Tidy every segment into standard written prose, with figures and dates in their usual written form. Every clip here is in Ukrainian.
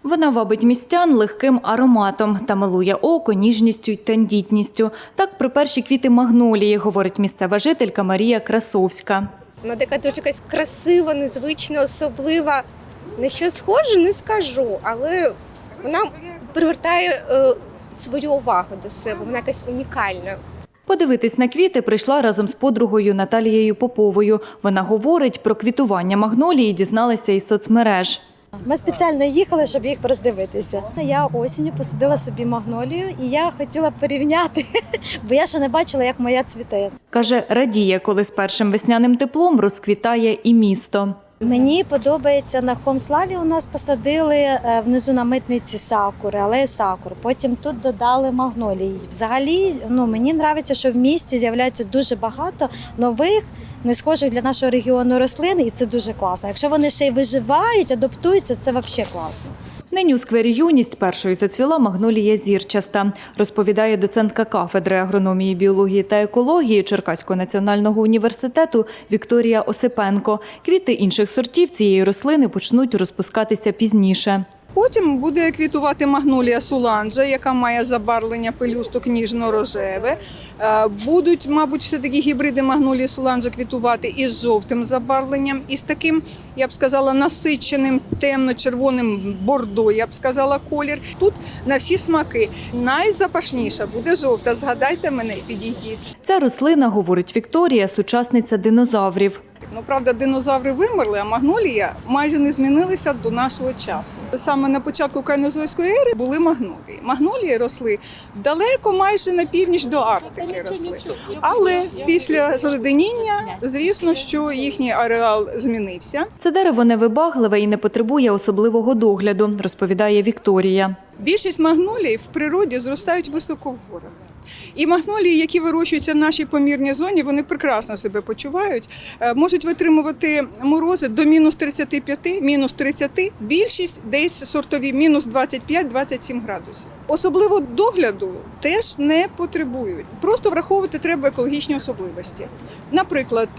Вона вабить містян легким ароматом та милує око ніжністю й тендітністю. Так про перші квіти магнолії говорить місцева жителька Марія Красовська. Вона така дуже якась красива, незвична, особлива. На що схоже, не скажу, але вона привертає свою увагу до себе, вона якась унікальна. Подивитись на квіти прийшла разом з подругою Наталією Поповою. Вона говорить, про квітування магнолії дізналася із соцмереж. Ми спеціально їхали, щоб їх роздивитися. Я осінню посадила собі магнолію і я хотіла порівняти, бо я ще не бачила, як моя цвіте. Каже, радіє, коли з першим весняним теплом розквітає і місто. Мені подобається, на Хомславі у нас посадили внизу на митниці сакури, алею сакур. Потім тут додали магнолії. Взагалі, мені подобається, що в місті з'являється дуже багато нових, не схожих для нашого регіону рослин, і це дуже класно. Якщо вони ще й виживають, адаптуються, це взагалі класно. Нині у сквері «Юність» першою зацвіла магнолія зірчаста, розповідає доцентка кафедри агрономії, біології та екології Черкаського національного університету Вікторія Осипенко. Квіти інших сортів цієї рослини почнуть розпускатися пізніше. Потім буде квітувати магнолія суланджа, яка має забарвлення пелюсток ніжно-рожеве. Будуть, мабуть, все-таки гібриди магнолії суланджа квітувати із жовтим забарвленням, і з таким, я б сказала, насиченим темно-червоним бордо, я б сказала, колір. Тут на всі смаки. Найзапашніша буде жовта, згадайте мене і підійдіть. Ця рослина, говорить Вікторія, сучасниця динозаврів. Правда, динозаври вимерли, а магнолія майже не змінилися до нашого часу. Саме на початку кайнозойської ери були магнолії. Магнолії росли далеко, майже на північ до Арктики росли. Але після заледеніння, звісно, що їхній ареал змінився. Це дерево невибагливе і не потребує особливого догляду, розповідає Вікторія. Більшість магнолій в природі зростають високо в горах. І магнолії, які вирощуються в нашій помірній зоні, вони прекрасно себе почувають, можуть витримувати морози до мінус 35, мінус 30, більшість десь сортові мінус 25-27 градусів. Особливо догляду теж не потребують. Просто враховувати треба екологічні особливості. Наприклад,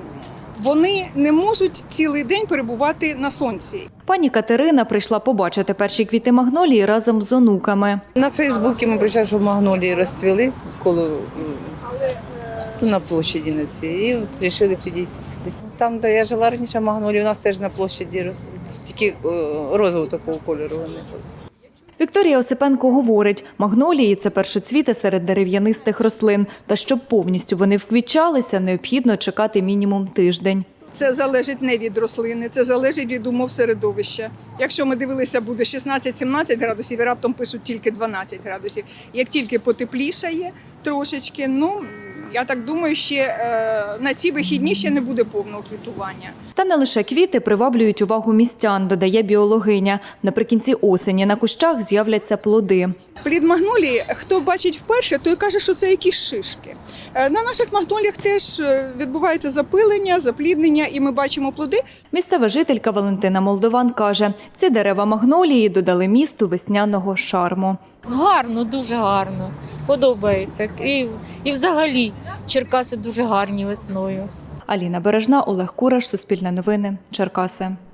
вони не можуть цілий день перебувати на сонці. Пані Катерина прийшла побачити перші квіти магнолії разом з онуками. На Фейсбуці ми прийшли, що магнолії розцвіли на площаді на цій, і вирішили підійти сюди. Там, де я жила раніше, магнолії у нас теж на площаді росли, тільки розового такого кольору вони були. Вікторія Осипенко говорить, магнолії – це першоцвіти серед дерев'янистих рослин. Та щоб повністю вони вквітчалися, необхідно чекати мінімум тиждень. Це залежить не від рослини, це залежить від умов середовища. Якщо ми дивилися, буде 16-17 градусів і раптом пишуть тільки 12 градусів. Як тільки потеплішає трошечки, я так думаю, ще на ці вихідні ще не буде повного квітування. Та не лише квіти приваблюють увагу містян, додає біологиня. Наприкінці осені на кущах з'являться плоди. Плід магнолії, хто бачить вперше, той каже, що це якісь шишки. На наших магноліях теж відбувається запилення, запліднення, і ми бачимо плоди. Місцева жителька Валентина Молдован каже, ці дерева магнолії додали місту весняного шарму. Гарно, дуже гарно. Подобається. І взагалі Черкаси дуже гарні весною. Аліна Бережна, Олег Кураш, Суспільне новини, Черкаси.